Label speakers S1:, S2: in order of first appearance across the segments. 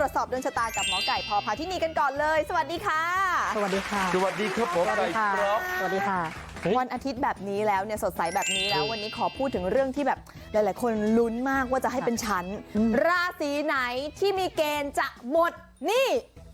S1: รวจสอบดวงชะตากับหมอไก่พพาธินีกันก่อนเลย สวัสดีค่ะ
S2: สวัสดีค่ะ
S3: สวัสดีครับหมอไก่ครับ
S2: สวัสดีค่ะ
S1: วันอาทิตย์แบบนี้แล้วเนี่ยสดใสแบบนี้แล้ววันนี้ขอพูดถึงเรื่องที่แบบหลายๆคนลุ้นมากว่าจะให้เป็นชั้นราศีไหนที่มีเกณฑ์จะหมดหนี่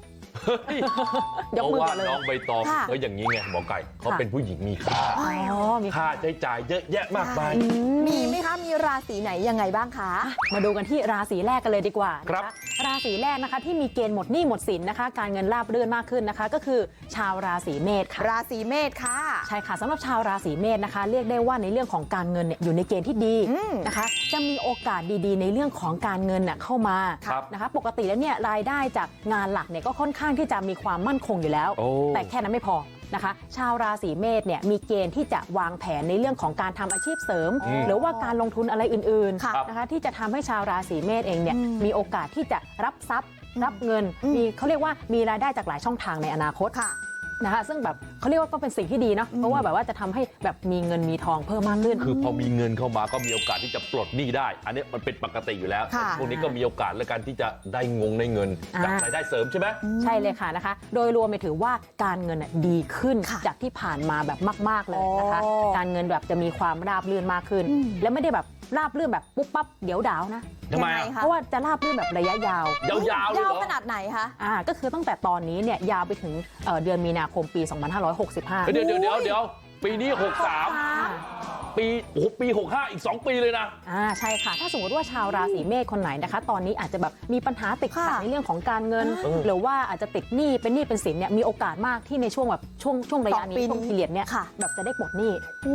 S3: เพราะว่าน้องใบตองก็อย่างนี้ไงหมอไก่เขาเป็นผู้หญิงมีค่าค่าใช้จ่ายเยอะแยะมากมาย
S1: มีไหมคะมีราศีไหนยังไงบ้างคะ
S2: มาดูกันที่ราศีแรกกันเลยดีกว่า
S3: ครับ
S2: ราศีแรกนะคะที่มีเกณฑ์หมดหนี้หมดสินนะคะการเงินราบรื่นมากขึ้นนะคะก็คือชาวราศีเมษค่ะ
S1: ราศีเมษค่ะ
S2: ใช่ค่ะสำหรับชาวราศีเมษนะคะเรียกได้ว่าในเรื่องของการเงินเนี่ยอยู่ในเกณฑ์ที่ดีนะคะจะมีโอกาสดีๆในเรื่องของการเงินเข้ามานะคะปกติแล้วเนี่ยรายได้จากงานหลักเนี่ยก็ค่อนข้างที่จะมีความมั่นคงอยู่แล้วแต่แค่นั้นไม่พอนะคะชาวราศีเมษเนี่ยมีเกณฑ์ที่จะวางแผนในเรื่องของการทำอาชีพเสริมหรือว่าการลงทุนอะไรอื่นๆนะคะที่จะทำให้ชาวราศีเมษเองเนี่ยมีโอกาสที่จะรับทรัพย์รับเงินมีเขาเรียกว่ามีรายได้จากหลายช่องทางในอนาคตนะคะซึ่งแบบเขาเรียกว่าก็เป็นสิ่งที่ดีเนาะเพราะว่าแบบว่าจะทำให้แบบมีเงินมีทองเพิ่มมากขึ้น
S3: คือพอมีเงินเข้ามาก็มีโอกาสที่จะปลดหนี้ได้อันนี้มันเป็นปกติอยู่แล้วพวกนี้ก็มีโอกาสในการที่จะได้เงินจากรายได้เสริมใช่ไหม
S2: ใช่เลยค่ะนะคะโดยรวมไปถือว่าการเงินดีขึ้นจากที่ผ่านมาแบบมากๆเลยนะคะการเงินแบบจะมีความราบรื่นมากขึ้นและไม่ได้แบบราบรื่นแบบปุ๊บปั๊บเดี๋ยวดาวนะ
S3: ทำไม
S2: เพราะว่าจะราบรื่นแบบระยะยาวย
S1: าวขนาดไหนคะ
S2: ก็คือตั้งแต่ตอนนี้เนี่ยยาวไปถึงเดือนมีนาคมปี 2565
S3: เดี๋ยวปีนี้63ปี65อีก2ปีเลยนะ
S2: ใช่ค่ะถ้าสมมติว่าชาวราศีเมษคนไหนนะคะตอนนี้อาจจะแบบมีปัญหาติดขัดในเรื่องของการเงินหรือว่าอาจจะติดหนี้เป็นสินเนี่ยมีโอกาสมากที่ในช่วงแบบช่วงระยะนี้ช่วงพีเรียดเนี่ยแบบจะได้ปลดหนี้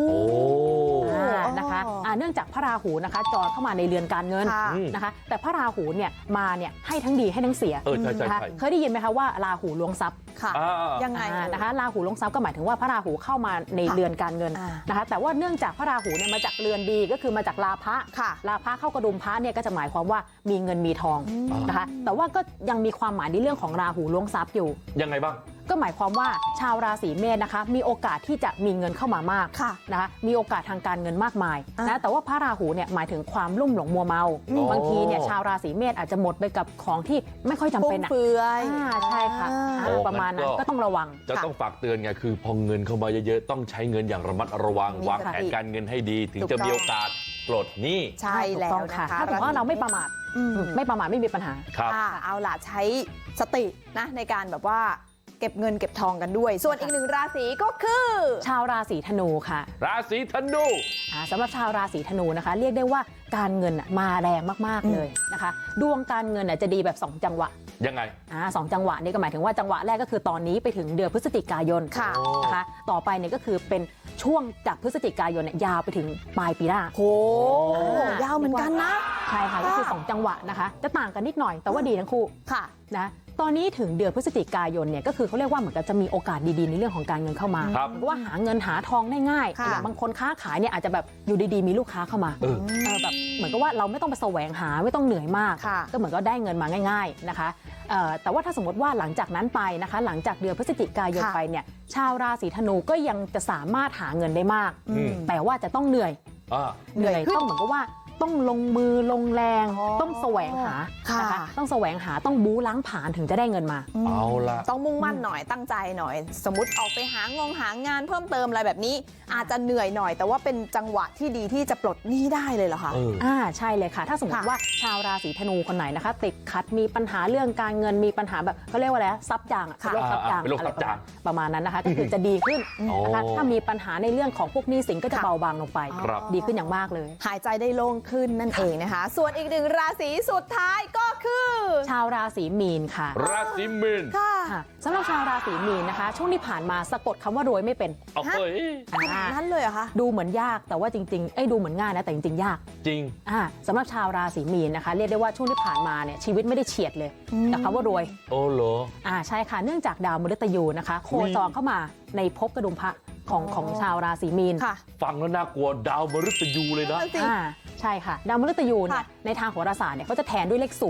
S2: นะคะเนื่องจากพระราหูนะคะจรเข้ามาในเรือนการเงินนะคะแต่พระราหูเนี่ยมาเนี่ยให้ทั้งดีให้ทั้งเสียนะคะเคยได้ยินไหมคะว่าราหูล้วงทรัพย์
S1: ยังไง
S2: นะคะราหูล้วงทรัพย์ก็หมายถึงว่าพระราหูเข้ามาในเรือนการเงินนะคะแต่ว่าเนื่องจากพระราหูเนี่ยมาจากเรือนดีก็คือมาจากราพะราพะเข้ากระดุมพระเนี่ยก็จะหมายความว่ามีเงินมีทองนะคะแต่ว่าก็ยังมีความหมายในเรื่องของราหูล้วงทรัพย์อยู่
S3: ยังไงบ้าง
S2: ก็หมายความว่าชาวราศีเมษนะคะมีโอกาสที่จะมีเงินเข้ามามากนะคะมีโอกาสทางการเงินมากมายนะแต่ว่าพระราหูเนี่ยหมายถึงความลุ่มหลงมัวเมาบางทีเนี่ยชาวราศีเมษอาจจะหมดไปกับของที่ไม่ค่อยจำเป็น
S1: เฟือย
S2: ใช่ค่ะประมาณนั้นก็ต้องระวัง
S3: จะต้องฝากเตือนไงคือพอเงินเข้ามาเยอะๆต้องใช้เงินอย่างระมัดระวังวางแผนการเงินให้ดีถึงจะมีโอกาสปลดหนี้
S1: ใช่แล้วนะคะ
S2: ถ้าถือว่าเราไม่ประมาทไม่มีปัญหา
S1: เอาล่ะใช้สตินะในการแบบว่าเก็บเงินเก็บทองกันด้วยส่วนอีกหนึ่งราศีก็คือ
S2: ชาวราศีธนูค่ะ
S3: ราศีธนู
S2: สำหรับชาวราศีธนูนะคะเรียกได้ว่าการเงินมาแรงมากๆเลยนะคะดวงการเงินจะดีแบบ2จังหวะ
S3: ยังไง
S2: 2จังหวะนี่ก็หมายถึงว่าจังหวะแรกก็คือตอนนี้ไปถึงเดือนพฤศจิกายนนะคะต่อไปเนี่ยก็คือเป็นช่วงจากพฤศจิกายนยาวไปถึงปลายปีหน้า
S1: โหยาวเหมือนกันนะ
S2: ใช่ค่ะก็คือ2จังหวะนะคะจะต่างกันนิดหน่อยแต่ว่าดีทั้งคู่นะตอนนี้ถึงเดือนพฤศจิกายนเนี่ยก็คือเขาเรียกว่าเหมือนกับจะมีโอกาสดีๆในเรื่องของการเงินเข้ามาเพราะว่าหาเงินหาทองได้ง่ายอย่างบางคนค้าขายเนี่ยอาจจะแบบอยู่ดีๆมีลูกค้าเข้ามาแบบเหมือนกับว่าเราไม่ต้องไปแสวงหาไม่ต้องเหนื่อยมากก็เหมือนก็ได้เงินมาง่ายๆนะคะแต่ว่าถ้าสมมติว่าหลังจากนั้นไปนะคะหลังจากเดือนพฤศจิกายนไปเนี่ยชาวราศีธนูก็ยังจะสามารถหาเงินได้มากแต่ว่าจะต้องเหนื่อยต้องเหมือนกับว่าต้องลงมือลงแรงต้องแสวงหานะคะต้องแสวงหาต้องบู๊ล้างผลาญถึงจะได้เงินมา
S3: เอาล่ะ
S1: ต้องมุ่งมั่นหน่อยตั้งใจหน่อยสมมติออกไปหางานเพิ่มเติมอะไรแบบนี้อาจจะเหนื่อยหน่อยแต่ว่าเป็นจังหวะที่ดีที่จะปลดหนี้ได้เลยเหรอคะ
S2: ใช่เลยค่ะถ้าสมมติว่าชาวราศีธนูคนไหนนะคะติดขัดมีปัญหาเรื่องการเงินมีปัญหาแบบเขาเรียกว่าอะไรซับจาง
S3: โรคซับจาง
S2: ประมาณนั้นนะคะก็คือจะดีขึ้นนะคะถ้ามีปัญหาในเรื่องของพวกหนี้สินก็จะเบาบางลงไปดีขึ้นอย่างมากเลย
S1: หายใจได้โล่งขึ้นนั่นเองนะคะส่วนอีกหนึ่งราศีสุดท้ายก็คือ
S2: ชาวราศีมีนค่ะ
S3: ราศีมีน
S2: ค่ะสำหรับชาวราศีมีนนะคะช่วงที่ผ่านมาสะกดคำว่ารวยไม่เป็น
S1: นั่นเลยเหรอคะ
S2: ดูเหมือนยากแต่ว่าจริงๆดูเหมือนง่ายนะแต่จริงๆยาก
S3: จริง
S2: สำหรับชาวราศีมีนนะคะเรียกได้ว่าช่วงที่ผ่านมาเนี่ยชีวิตไม่ได้เฉียดเลยกับคำว่ารวย
S3: โอ้เหรอ
S2: ใช่ค่ะเนื่องจากดาวมฤตยูนะคะโคจรเข้ามาในภพกระดุมพระของชาวราศีมีน
S3: ฟังแล้วน่ากลัวดาวมฤตยูเลยนะ
S2: ใช่ค่ะดาวมฤตยูเนี่ยในทางโหราศาสตร์เนี่ยเขาจะแทนด้วยเลข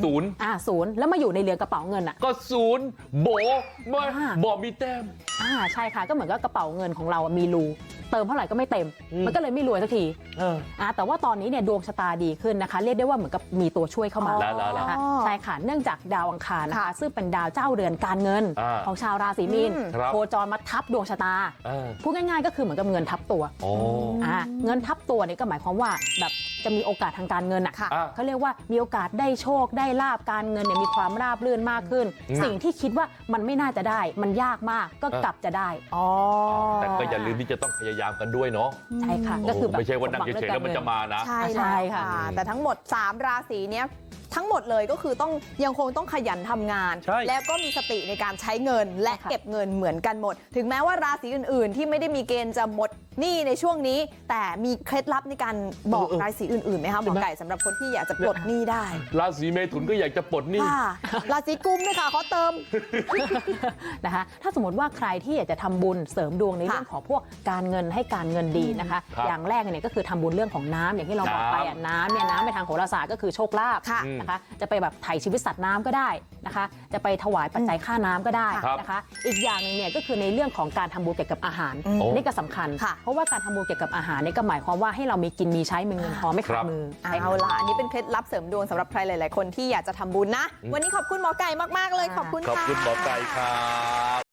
S2: 0แล้วมาอยู่ในเรือนกระเป๋าเงิน
S3: ก็0โบมีแต้ม
S2: ใช่ค่ะก็เหมือนกับกระเป๋าเงินของเรามีรูเติมเท่าไหร่ก็ไม่เต็มมันก็เลยไม่รวยสักทีแต่ว่าตอนนี้เนี่ยดวงชะตาดีขึ้นนะคะเรียกได้ว่าเหมือนกับมีตัวช่วยเข้ามานะคะใช่ค่ะเนื่องจากดาวอังคารนะคะซึ่งเป็นดาวเจ้าเรือนการเงินของชาวราศีมีนโคจรมาทับดวงชะตาพูดง่ายๆก็คือเหมือนกับเงินทับตัวเงินทับตัวนี่ก็หมายความว่าแบบจะมีโอกาสทางการเงินเขาเรียกว่ามีโอกาสได้โชคได้ลาบการเงินเนี่ยมีความราบรื่นมากขึ้นสิ่งที่คิดว่ามันไม่น่าจะได้มันยากมากก็กลับจะได้
S3: แต่ก็อย่าลืมที่จะต้องพยายามกันด้วยเนาะ
S2: ใช่ค่ะก็คือแบบ
S3: ไม่ใช่ว่านั่งเฉยๆแล้วมันจะมานะ
S1: ใช่ค่ะแต่ทั้งหมด3ราศีเนี้ยทั้งหมดเลยก็คือยังคงต้องขยันทำงานแล้วก็มีสติในการใช้เงินและเก็บเงินเหมือนกันหมดถึงแม้ว่าราศีอื่นๆที่ไม่ได้มีเกณฑ์จะหมดหนี้ในช่วงนี้แต่มีเคล็ดลับในการบอกราศีอื่นๆไหมคะหมอไก่สำหรับคนที่อยากจะปลดหนี้ได้
S3: ราศีเมถุนก็อยากจะปลดหนี้
S1: ราศีกุมด้วยค่ะขอเติม
S2: นะคะถ้าสมมติว่าใครที่อยากจะทำบุญเสริมดวงในเรื่องของพวกการเงินให้การเงินดีนะคะอย่างแรกเนี่ยก็คือทำบุญเรื่องของน้ำอย่างที่เราบอกไปน้ำเนี่ยน้ำในทางโหราศาสตร์ก็คือโชคลาภนะคะจะไปแบบไถ่ชีวิตสัตว์น้ำก็ได้นะคะจะไปถวายปัจจัยค่าน้ำก็ได้นะคะอีกอย่างหนึ่งเนี่ยก็คือในเรื่องของการทำบุญเกี่ยวกับอาหารนี่ก็สำคัญเพราะว่าการทำบุญเกี่ยวกับอาหารนี่ก็หมายความว่าให้เรามีกินมีใช้มีเงินพอไม่ขาดมือ
S1: เอาล่ะอันนี้เป็นเคล็ดลับเสริมดวงสำหรับใครหลายๆคนที่อยากจะทำบุญนะวันนี้ขอบคุณหมอไก่มากๆเลยขอบคุณค่ะ
S3: ขอบคุณหมอไก่ครับ